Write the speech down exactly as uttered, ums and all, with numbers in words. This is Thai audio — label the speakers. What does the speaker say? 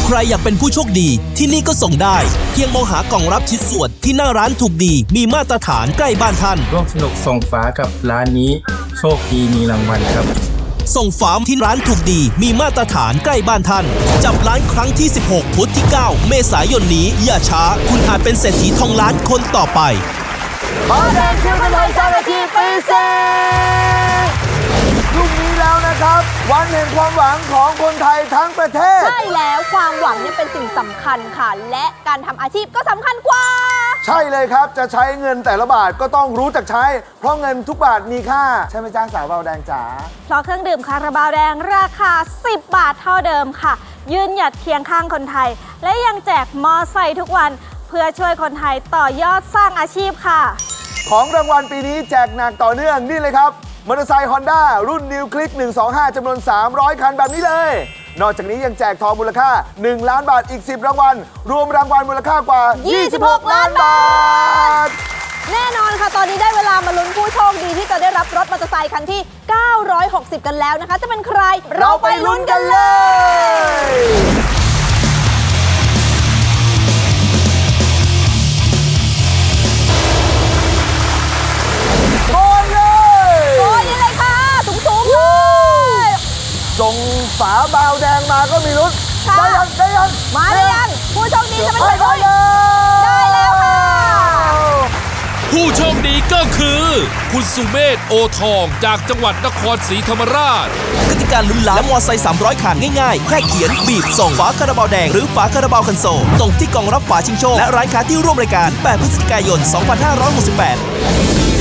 Speaker 1: ใครอยากเป็นผู้โชคดีที่นี่ก็ส่งได้เพียงมองหากล่องรับชิ้นส่วนที่หน้าร้านถูกดีมีมาตรฐานใกล้บ้านท่าน
Speaker 2: ร่วมสนุกส่งฝากับร้านนี้โชคดีมีรางวัลครับ
Speaker 1: ส่งฝาที่ร้านถูกดีมีมาตรฐานใกล้บ้านท่านจับร้านครั้งที่สิบหกพุธที่เก้าเมษายนนี้อย่าช้าคุณอาจเป็นเศรษฐีทองล้านคนต่อไป
Speaker 3: บาวแดงคิวคนไทยสร้างอาชีพปีเศษพรุ่งนี้แล้วนะครับวันแห่งความหวังของคนไทยทั้งประเทศ
Speaker 4: ใช่แล้วความหวังเนี่ยเป็นสิ่งสำคัญค่ะและการทำอาชีพก็สำคัญกว่า
Speaker 3: ใช่เลยครับจะใช้เงินแต่ละบาทก็ต้องรู้จักใช้เพราะเงินทุกบาทมีค่าใช่ไหมจ้าสาวบาวแดงจ๋า
Speaker 4: เพราะเครื่องดื่มคาราบาวแดงราคาสิบบาทเท่าเดิมค่ะยืนหยัดเคียงข้างคนไทยและยังแจกมอไซค์ทุกวันเพื่อช่วยคนไทยต่อยอดสร้างอาชีพค่ะ
Speaker 3: ของรางวัลปีนี้แจกหนักต่อเนื่องนี่เลยครับมอเตอร์ไซค์ Honda รุ่น New Click หนึ่งสองห้าจำนวน สามร้อย คันแบบนี้เลยนอกจากนี้ยังแจกทองมูลค่าหนึ่งล้านบาทอีกสิบรางวัลรวมรางวัลมูลค่ากว่ายี่สิบหกล้านบาท
Speaker 4: แน่นอนค่ะตอนนี้ได้เวลามาลุ้นผู้โชคดีที่จะได้รับรถมอเตอร์ไซค์คันที่เก้าร้อยหกสิบกันแล้วนะคะจะเป็นใคร
Speaker 3: เราไปลุ้นกันเลยโกยเลย
Speaker 4: โกยนี่เลยค่ะสูงๆเลย
Speaker 3: ส่งฝาบาวแดงมาก็มีลุ้นได้ยังได้ยัง
Speaker 4: มาได้ยังผู้โชคดีจะเป็นใคร
Speaker 3: ได้
Speaker 4: แล้วค่ะ
Speaker 1: ผู้โชคดีก็คือคุณสุเมธโอทองจากจังหวัดนครศรีธรรมราชกติกาลุ้นล้านและมอไซค์สามร้อยคันง่ายๆแค่เขียนบีบส่งฝาคาราบาวแดงหรือฝาคาราบาวคันโซลตรงที่กล่องรับฝาชิงโชคและร้านค้าที่ร่วมรายการแปดพฤศจิกายนสองพันห้าร้อยหกสิบแปด